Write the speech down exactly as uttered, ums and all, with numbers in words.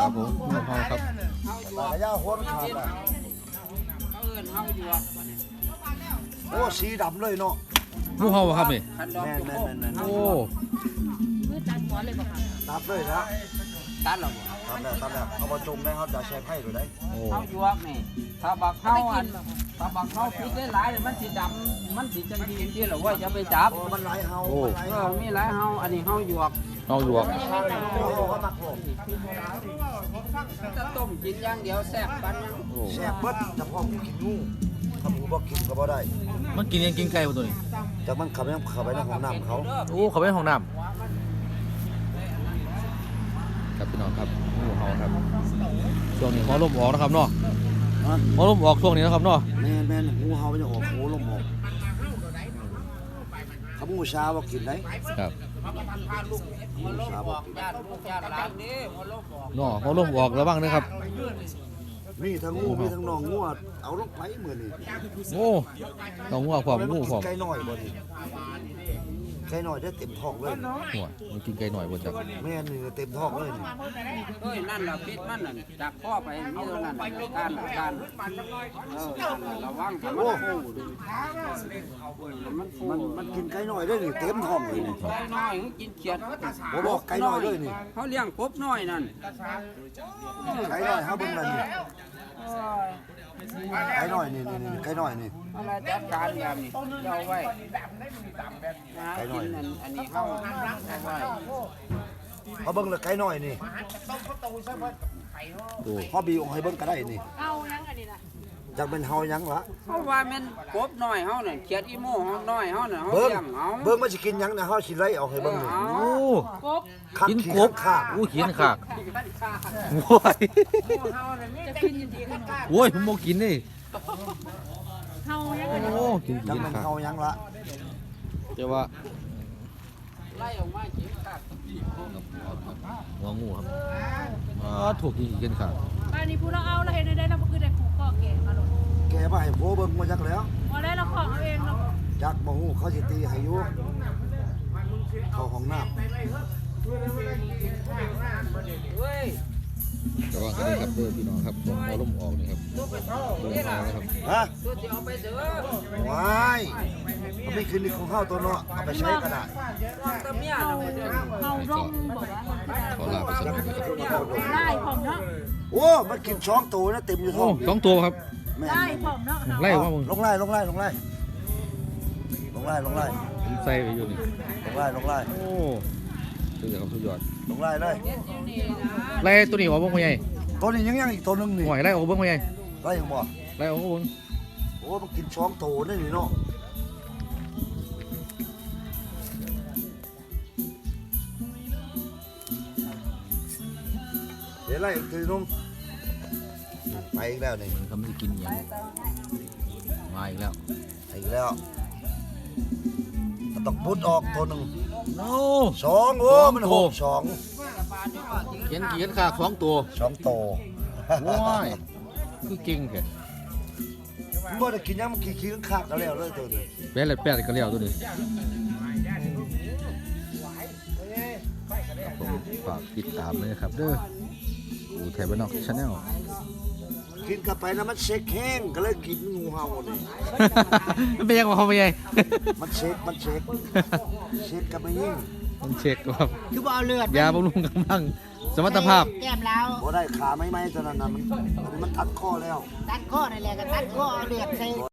ครับผมงูเห่าครับระยะหัวมันขาดอ่ะเขาเอิ้นเฮาอยู่อ่ะโอ้สีดำเลยเนาะงูเห่าครับนี่คันดอกแม่นจุแม่นกแม่นแม่นโอ้คือจัดหัวเลยบ่ค่ะตัดเลยนะตัดแล้วบ่ตัดแล้วตัดแล้วเอามาจุ่มนะครับจะใช้ไผ่หรือไดโอ้เฮาอยู่อ่ะนี่ถ้าบักเฮาอันถ้าบักเฮาพิษได้หลายๆมันสิดำมันสิจังดีที่ล่ะว่าจะไปจับโอ้มันหลายเฮาโอ้มันหลายเอเฮาอมีหลายเฮาอันนี้เฮาหยวกเอาอยู่อ่ะโอ้โหเขามักลงถ้าต้มกินอย่างเดียวแซ่บปานยังโอ้แซ่บเบิดเฉพาะกินงูถ้าหมูบ่กินก็บ่ได้มันกินยังกินไก่บ่ตัวนี้จากมันขับไปเข้าไปในห้องน้ำเขาโอ้เขาไปห้องน้ำครับพี่น้องครับงูเห่าครับช่วงนี้หัวลมออกนะครับเนาะหัวลมออกช่วงนี้นะครับเนาะแม่นแม่นงูเห่ามันจะออกหูลมออกเขางูชาบ่กินได้ครับหัวโลกบอกญาติลูกญาติหลานนี่หัวโลกบอกเนาะหัวลมออกระวังนะครับมีทั้งงูมีทั้งน้องงูเอาลงไปมื้อนี้โอ้ต้องงูพร้อมงูพร้อมไก่น้อยบ่นี่ไก่น้อยได้เต็มท้องเลยหัวมันกินไก่หน่อยบ่จักแม่นี่เต็มท้องเลยนี่เฮ้ยนั่นล่ะพิษมันน่ะจากข้อไปมีเท่านั้นน่ะการน่ะการเออระวังถ้ามันฟูดิมันฟูมันมันกินไก่น้อยด้วยนี่เต็มท้องเลยนี่ไก่น้อยเขากินเขียดผมบอกไก่น้อยด้วยนี่เขาเลี้ยงกบน้อยนั่นไก่น้อยเฮาเบิ่งนั่นนี่ไก่น้อยนี่นี่นี่ไก่น้อยนี่อะไรจัดการแบบนี้เอาไว้นะกินอันอันนี้เขาเอาไว้เฮาเบิ่งแล้วไก่น้อยนี่โอ้เฮาบีออกให้เบิ่งก็ได้นี่เอายังอันนี้ล่ะจักเป็นเฮาหยังล่ะเขาว่าแมันกบน้อยเขาน่ะเขียดอีโม่เขาน้อยเขาน่ะเขาเบิ่งเลี้ยงเขาเบิ่งมันสิกินหยังนะเฮาสิไล่ออกให้เบิ่งนี่โอ้กบคักกินขี้กบข้างโอ้กินขากโอ้ยจะกินอยู่ดีกันโอ้ยผมบ่กินนี่เฮายังอันนี้โอ้กินจักกินเป็นขากเฮาหยังล่ะแต่ว่าไล่ออกมากินครับหัวงูครับอ่าถูกกินกินขากบ้านนี้ผู้เราเอาเราเห็นได้เราบ่คือได้ผูกคอแก่มาลงแกมาให้โพเบิ่งมาจักแล้วบ่ได้เราของเอาเองเนาะจักบ่ฮู้เขาสิตีให้อยู่เข้าห้องน้ำเฮ้ยแต่ว่าก็ได้ครับเด้อพี่น้องครับหัวลมออกนี่ครับตัวไปเท่าลมนี่อล่ะอกนะครับฮะตัวที่เอาไปเถอะว้ายมันไม่คืนนี้ของเฮาตัวเนาะเอาไปใช้ก็ได้วางตะเมียเฮาน่ะเด้อเฮาร่มบ่ว่าขอลาไปสักหน่อยนะครับได้พร้อมเนาะโอ้มันกินช้องตัวนะเต็มอยู่ท้โอ้องสองตัวครับแม่ได้พร้อมเนาะไล่ว่ามึงลงไล่ลงไล่ลงไล่ลงไล่ลงไล่ผมใส่ไปอยู่นี่ลงไล่ลงไล่โอ้สุดยอดครับสุดยอดลงไล่เลยเฮ็ดอยู่นี่นะไล่ตัวนี้ออกเบิ่งพ่อใหญ่ตัวนี้ยังยังอีกตัวหนึงนี่หน่อยไล่ออกเบิ่งพ่อใหญ่ไล่ยังบ่ไล่ออกเบิ่งโอ้มันกินช้องตัวนี่นี่เนาะเดี๋ยวไล่อีกทีนึงไปอีกแล้วนี่มันทำให้กินอย่างมาอีกแล้วไปอีกแล้วมันต้องพุดออกตัวหนึ่งโอ้สองโอ้มันหกสองเขียนกี่เขียนขากสองตัวสองโตว้ายคือเก่งแค่มันบ่ได้กินยังมันขี้ขี้ข้างๆก็แล้วเลยตัวนี้แปดเลยแปดก็เลี้ยวตัวนี้ครับผมฝากติดตามเลยนะครับเด้ออูไทยบ้านนอกชาแนลกินกลับไปนะมันเช็คแห้งก็เลยกินงูเห่านี่มันเป็นยังไงพ่อใหญ่มันเช็คมันเช็คเช็คกับไม่ยิ่งมันเช็คครับคือบ่เอาเลือดยาบำรุงกำลังสมรรถภาพแก้มแล้วบ่ได้ขาไม่ไหมตอนนั้นน่ะมันมันตัดคอแล้วตัดข้อนั่นแหละก็ตัดข้อเอาเลือดใส่